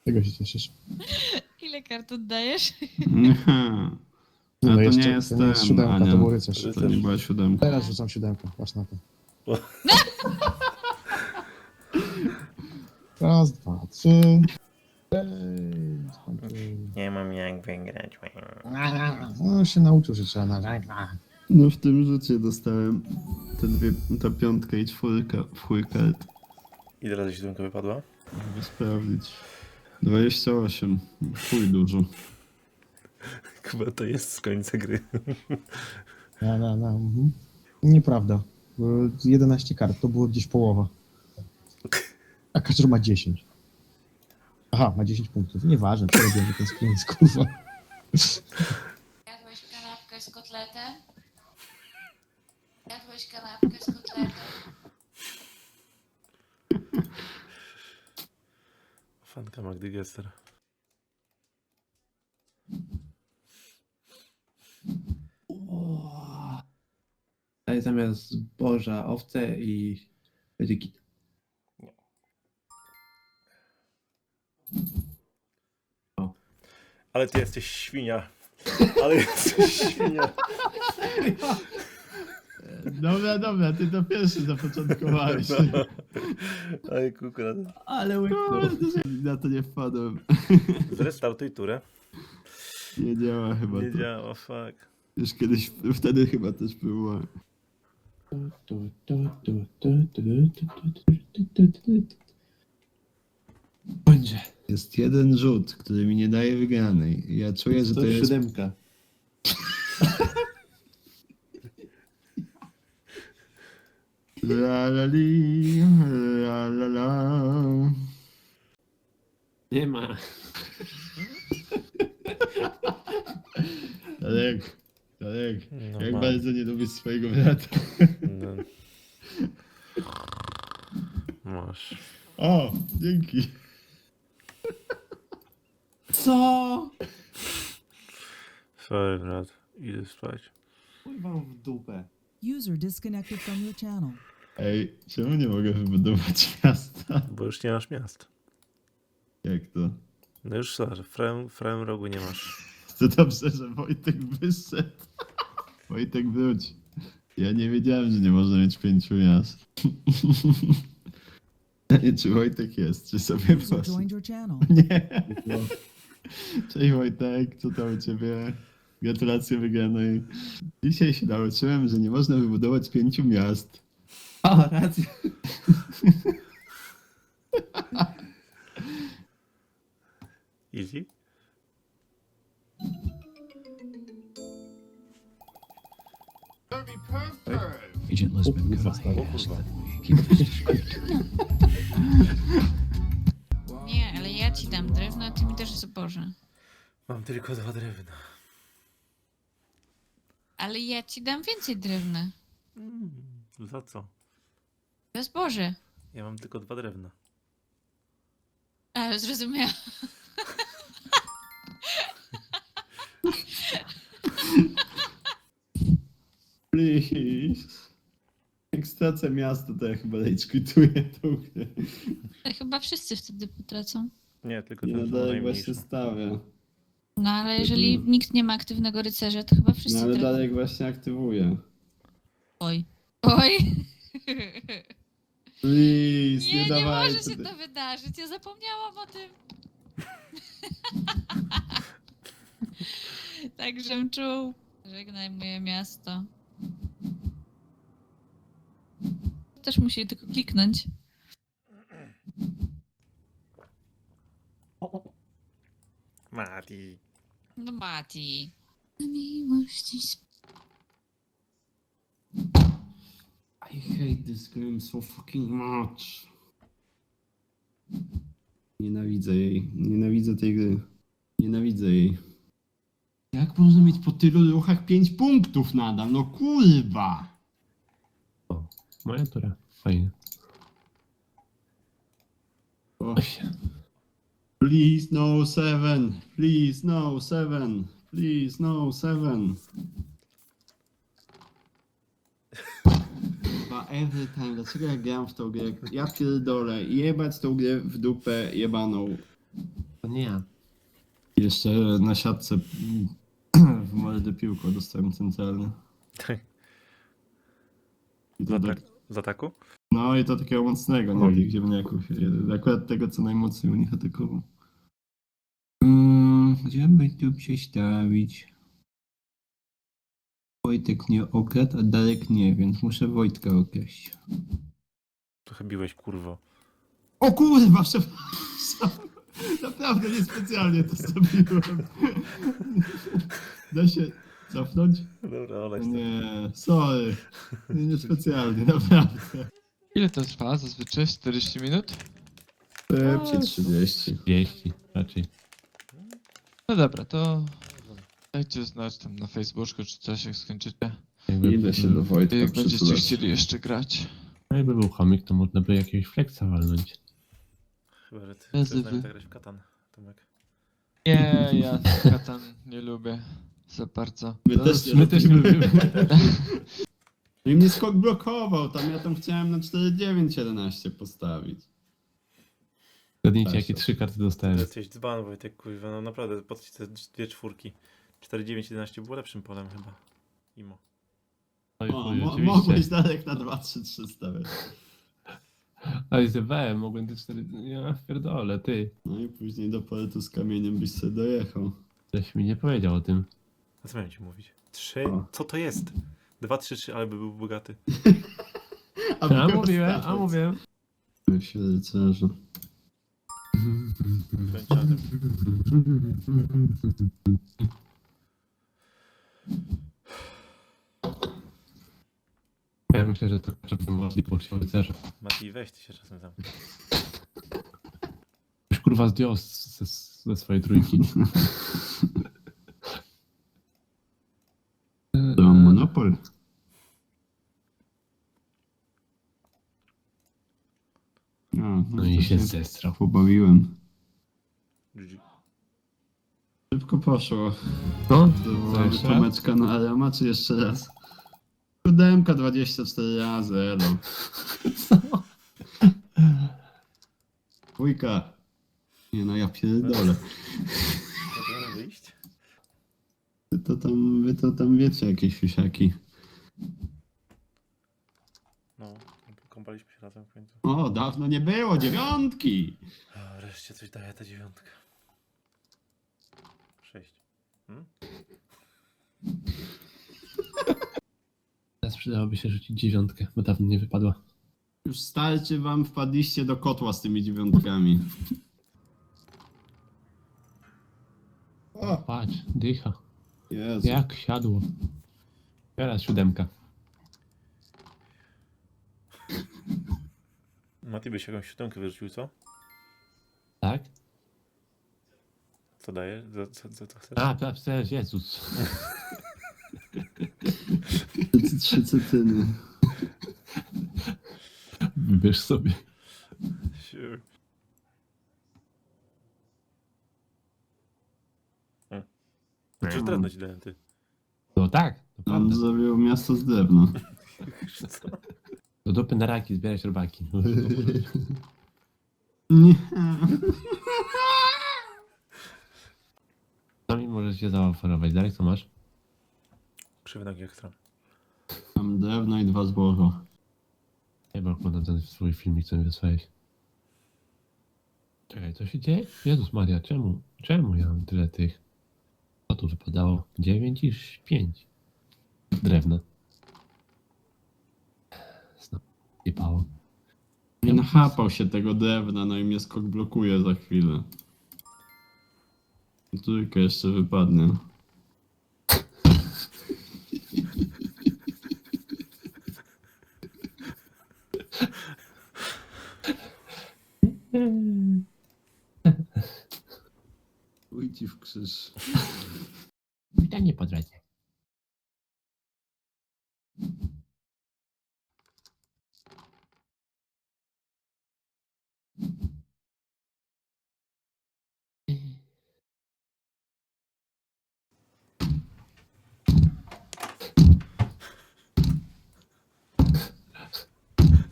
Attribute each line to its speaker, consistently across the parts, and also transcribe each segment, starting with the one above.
Speaker 1: Czego się cieszysz?
Speaker 2: Ile kart oddajesz?
Speaker 3: Nie.
Speaker 1: No,
Speaker 3: A to
Speaker 1: jeszcze,
Speaker 3: nie jest
Speaker 1: to nie jest
Speaker 3: ten,
Speaker 1: siódemka,
Speaker 3: Ania.
Speaker 1: to był rycerz.
Speaker 3: To nie była siódemka.
Speaker 1: Teraz rzucam siódemkę, patrz na to.
Speaker 4: O.
Speaker 1: Raz, dwa, trzy.
Speaker 4: Nie mam jak wygrać.
Speaker 1: No się nauczył, że trzeba na...
Speaker 3: No w tym rzucie dostałem ta piątka i czwórka w chuj kart.
Speaker 4: Ile razy siódemka wypadła?
Speaker 3: Żeby sprawdzić. 28. Chuj dużo.
Speaker 4: Chyba to jest z końca gry.
Speaker 1: Mhm. Nieprawda. Było 11 kart, to było gdzieś połowa. A Kaczor ma 10. Aha, ma 10 punktów. Nieważne, przerobiony ten screen, kurwa.
Speaker 2: Jadłeś kanapkę z kotletem? Jadłeś kanapkę z kotletem?
Speaker 4: Fanka Magdy Gessler.
Speaker 5: Daj zamiast zboża owce i będzie git.
Speaker 4: Ale ty jesteś świnia. Ale jesteś świnia.
Speaker 3: Dobra, ty to pierwszy zapoczątkowałeś.
Speaker 4: No. Oj, kukra.
Speaker 5: Ale łyknął.
Speaker 3: Na to nie wpadłem.
Speaker 4: Zrestartuj turę.
Speaker 3: Nie działa chyba
Speaker 4: Nie
Speaker 3: to.
Speaker 4: działa, fuck.
Speaker 3: Już kiedyś, wtedy chyba też było.
Speaker 5: Będzie.
Speaker 3: Jest jeden rzut, który mi nie daje wygranej. Ja czuję, że to jest...
Speaker 5: siódemka.
Speaker 3: La la li, la la la.
Speaker 5: Nie ma.
Speaker 3: Tadek,
Speaker 4: No
Speaker 3: jak
Speaker 4: mam.
Speaker 3: bardzo nie lubisz swojego brata.
Speaker 4: No. Masz.
Speaker 3: O, dzięki.
Speaker 5: Co?
Speaker 4: Sorry, brat. Idę spać.
Speaker 5: Kurwa w dupę.
Speaker 6: User disconnected from your channel.
Speaker 3: Ej, czemu nie mogę wybudować miasta?
Speaker 4: Bo już nie masz miast.
Speaker 3: Jak to?
Speaker 4: No już sorry, w prawym rogu nie masz.
Speaker 3: To dobrze, że Wojtek wyszedł. Wojtek wróć. Ja nie wiedziałem, że nie można mieć 5 miast. Czy Wojtek jest? Czy sobie
Speaker 6: User
Speaker 3: poszedł?
Speaker 6: joined your channel.
Speaker 3: Nie. Cześć Wojtek, co tam u ciebie? Gratulacje wygranej. Dzisiaj się nauczyłem, że nie można wybudować 5 miast.
Speaker 5: O, racja.
Speaker 4: Easy?
Speaker 7: Agent Lisbon, could
Speaker 1: kurwa,
Speaker 7: I
Speaker 4: O kurwa.
Speaker 7: keep this
Speaker 2: Nie, ale ja ci dam drewno, a ty mi dasz zboże.
Speaker 4: Mam tylko 2 drewna.
Speaker 2: Ale ja ci dam więcej drewna.
Speaker 4: Za co?
Speaker 2: Za zboże.
Speaker 4: Ja mam tylko 2 drewna.
Speaker 2: A, zrozumiałam.
Speaker 3: Please. Jak stracę miasto, to ja chyba rage quituję tą grę.
Speaker 2: Ale chyba wszyscy wtedy potracą.
Speaker 4: Nie, tylko
Speaker 3: Nie
Speaker 4: ten
Speaker 3: no,
Speaker 4: co
Speaker 3: Darek
Speaker 4: najmniejszy.
Speaker 3: właśnie stawia.
Speaker 2: No ale jeżeli nikt nie ma aktywnego rycerza, to chyba wszyscy
Speaker 3: No ale
Speaker 2: tracą.
Speaker 3: Darek właśnie aktywuje.
Speaker 2: Oj. Oj.
Speaker 3: Please,
Speaker 2: Nie, nie
Speaker 3: dawajcie.
Speaker 2: może się to wydarzyć. Ja zapomniałam o tym. Tak, żem czuł. Żegnaj moje miasto. Też musi tylko kliknąć.
Speaker 4: Mati.
Speaker 2: No Mati. Na miłości
Speaker 3: I hate this game so fucking much. Nienawidzę jej. Nienawidzę tej gry. Nienawidzę jej. Jak można mieć po tylu ruchach 5 punktów nadal? No kurwa!
Speaker 1: Moja tura. Fajnie.
Speaker 3: O. Please no 7. Please no 7. Please no 7. Chyba every time. Dlaczego ja gram w tą grę? Ja pierdolę. Jebać tą grę w dupę jebaną.
Speaker 5: To nie ja.
Speaker 3: Jeszcze na siatce w mordę piłką dostałem centralny. I to tak,
Speaker 4: Z ataku?
Speaker 3: no i to takiego mocnego, nie
Speaker 1: Oj.
Speaker 3: tych ziemniaków. Akurat tego, co najmocniej u nich atakował. Gdzie by tu przestawić? Wojtek nie okradł, a Darek nie, więc muszę Wojtka okraść.
Speaker 4: Trochę biłeś, kurwo.
Speaker 3: O kurwa, przepraszam. Naprawdę niespecjalnie to zrobiłem. Da się cofnąć?
Speaker 4: Dobra, olej to.
Speaker 3: Nie, sorry. Niespecjalnie, naprawdę.
Speaker 8: Ile to trwa zazwyczaj? 40 minut?
Speaker 3: Szybciej 30.
Speaker 5: 30 raczej.
Speaker 8: No dobra, to dajcie znać tam na Facebooku czy coś, jak skończycie.
Speaker 3: Idę się do Wojtka
Speaker 8: Jak będziecie
Speaker 3: przytulać.
Speaker 8: chcieli jeszcze grać.
Speaker 5: No jakby był chomik, to można by jakiegoś flexa walnąć.
Speaker 4: Chyba, że ty
Speaker 8: Bez
Speaker 4: chcesz z nami
Speaker 8: wy.
Speaker 4: zagrać w Katan, Tomek.
Speaker 8: Nie, ja Katan nie lubię za bardzo.
Speaker 3: My też nie lubimy. I mnie skok blokował, ja tam chciałem na 4-9-11 postawić.
Speaker 5: Zgadnijcie,
Speaker 3: Tak,
Speaker 5: jakie
Speaker 3: tak.
Speaker 5: 3 karty
Speaker 4: To
Speaker 5: dostałem.
Speaker 4: jesteś dzban, Wojtek, kurwa, no naprawdę, patrzcie te dwie czwórki. 4-9-11 było lepszym polem chyba. Imo.
Speaker 5: Oj,
Speaker 3: O,
Speaker 5: chuj,
Speaker 3: mogłeś
Speaker 5: oczywiście.
Speaker 3: Darek na 2-3-3 stawiać.
Speaker 5: Ale zjebałem, mogłem te 4... Ja pierdolę, ty.
Speaker 3: No i później do portu z kamieniem byś sobie dojechał.
Speaker 5: Ktoś mi nie powiedział o tym.
Speaker 4: A co miałem ci mówić? 3?
Speaker 3: O.
Speaker 4: Co to jest? 2-3-3, ale by był bogaty.
Speaker 5: A mówiłem.
Speaker 3: Jak się rycerzu.
Speaker 4: Kończadem.
Speaker 5: Ja myślę, że to żeby możliwość rycerza.
Speaker 4: Mati, weź ty się czasem zamknij.
Speaker 5: Już kurwa zdjął ze swojej trójki.
Speaker 3: To mam monopol.
Speaker 5: No i się zestrał.
Speaker 3: pobawiłem.
Speaker 4: GG.
Speaker 3: Szybko poszło.
Speaker 5: No,
Speaker 3: To
Speaker 5: jeszcze raz?
Speaker 3: Tomeczka na Arama, czy jeszcze raz? Siódemka 24 razy, elo. Dwójka. Nie no, ja pierdolę.
Speaker 4: Możemy wyjść?
Speaker 3: Wy to tam wiecie, jakieś fisiaki.
Speaker 4: No, kąpaliśmy się razem w końcu.
Speaker 3: O, dawno nie było, dziewiątki!
Speaker 4: O, wreszcie coś daje ta dziewiątka. 6.
Speaker 5: Teraz przydałoby się rzucić 9, bo dawno nie wypadła.
Speaker 3: Już starczy wam, wpadliście do kotła z tymi dziewiątkami. O,
Speaker 5: Patrz, dycha.
Speaker 3: Jezu.
Speaker 5: Jak siadło. Teraz 7.
Speaker 4: Mati byś jakąś siódemkę wyrzucił, co?
Speaker 5: Tak?
Speaker 4: Co daje? Co chcesz?
Speaker 5: A, przecież Jezus.
Speaker 3: Trzy cytyny.
Speaker 5: Wybierz sobie.
Speaker 4: Sure. Czy drewno ci dałem, ty?
Speaker 5: No tak, to
Speaker 3: On
Speaker 5: prawda.
Speaker 3: zrobił miasto z drewna.
Speaker 4: Co?
Speaker 5: Do dupy na raki, zbierać robaki.
Speaker 3: Nie.
Speaker 5: Co mi możesz się zaoferować? Darek, co masz?
Speaker 4: Krzywy nogi ekstra.
Speaker 3: Mam drewno i 2 zboża.
Speaker 5: Chyba oglądam ten swój filmik, co mi wysłałeś. Czekaj, co się dzieje? Jezus Maria, czemu? Czemu ja mam tyle tych? Co tu wypadało? 9 i 5. Drewna. Znowu jebało.
Speaker 3: Nie nachapał się tego drewna, no i mnie skok blokuje za chwilę. Trójka jeszcze wypadnie. Ujci w krzyż.
Speaker 5: Pytanie po drodze.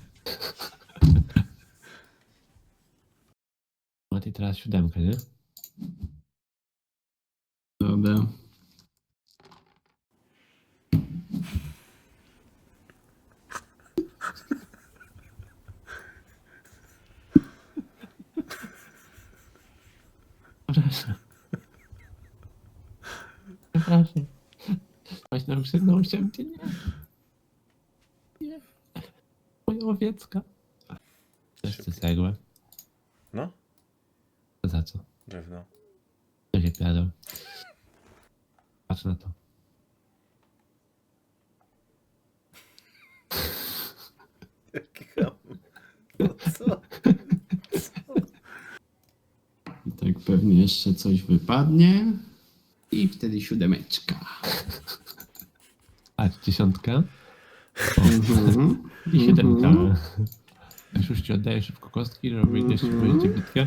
Speaker 5: Maty teraz 7, nie? Przepraszam. Przepraszam. Właśnie ukrzyknął się cię, nie. Nie. Moja owiecka. Też chcę cegłę.
Speaker 4: No,
Speaker 5: To za co?
Speaker 4: drewno.
Speaker 5: To się piadą. Patrz na to.
Speaker 4: Jaki ham. No co?
Speaker 3: I tak pewnie jeszcze coś wypadnie. I wtedy 7.
Speaker 5: Patrz, 10.
Speaker 3: Mhm.
Speaker 5: I 7.
Speaker 3: Mhm.
Speaker 5: Już ci oddaję szybko kostki, żeby wyjdziesz w wyjdzie bitwę.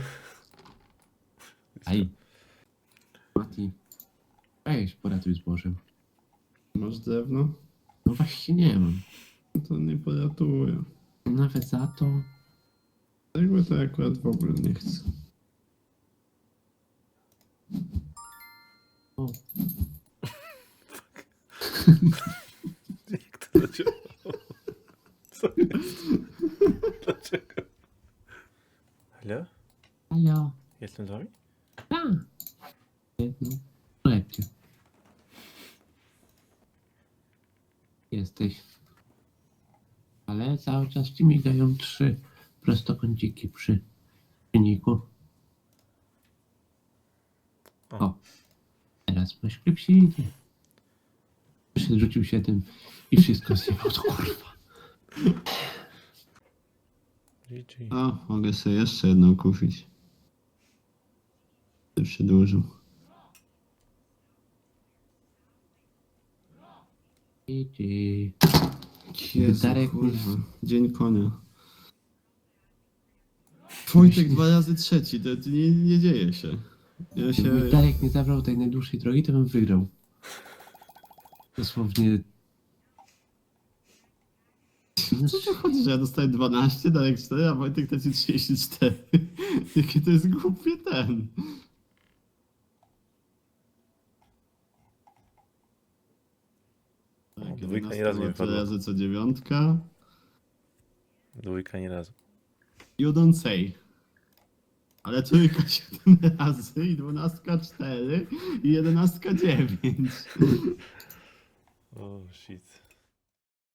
Speaker 5: Aj. Mati. Weź, poratuj z Bożem.
Speaker 3: Masz drewno?
Speaker 5: No właśnie nie mam.
Speaker 3: No to nie poratuję.
Speaker 5: Nawet za to.
Speaker 3: Tego to akurat w ogóle nie chcę.
Speaker 5: O,
Speaker 4: Jak to zadziałało? Co jest? Dlaczego? Halo?
Speaker 5: halo.
Speaker 4: Jestem z wami?
Speaker 5: Tak. Jedno. Lepiej. Jesteś. Ale cały czas ci migają 3 prostokąciki przy silniku.
Speaker 4: O.
Speaker 5: O. Teraz masz klepsidzie. Przyszedł, rzucił się tym i wszystko zjebał, to kurwa.
Speaker 4: GG.
Speaker 3: A, mogę sobie jeszcze jedną kupić. To przedłużył.
Speaker 5: GG.
Speaker 3: Jezu,
Speaker 5: Darek,
Speaker 3: kurwa. Dzień konia. Wojtek 2 razy trzeci, to nie dzieje się. Ja się...
Speaker 5: Gdyby Darek nie zabrał tej najdłuższej drogi, to bym wygrał. Dosłownie.
Speaker 3: Co to chodzi, że ja dostaję 12, Darek 4, a Wojtek traci 34? Jakie to jest głupie ten. Tak,
Speaker 4: Dwójka
Speaker 3: 11
Speaker 4: nie razu nie
Speaker 3: ma tyle
Speaker 4: wypadła.
Speaker 3: razy co 9.
Speaker 4: Dwójka nie razu.
Speaker 3: You don't say. Ale trójka 7 razy i 12 4 i 11 9.
Speaker 4: O, shit.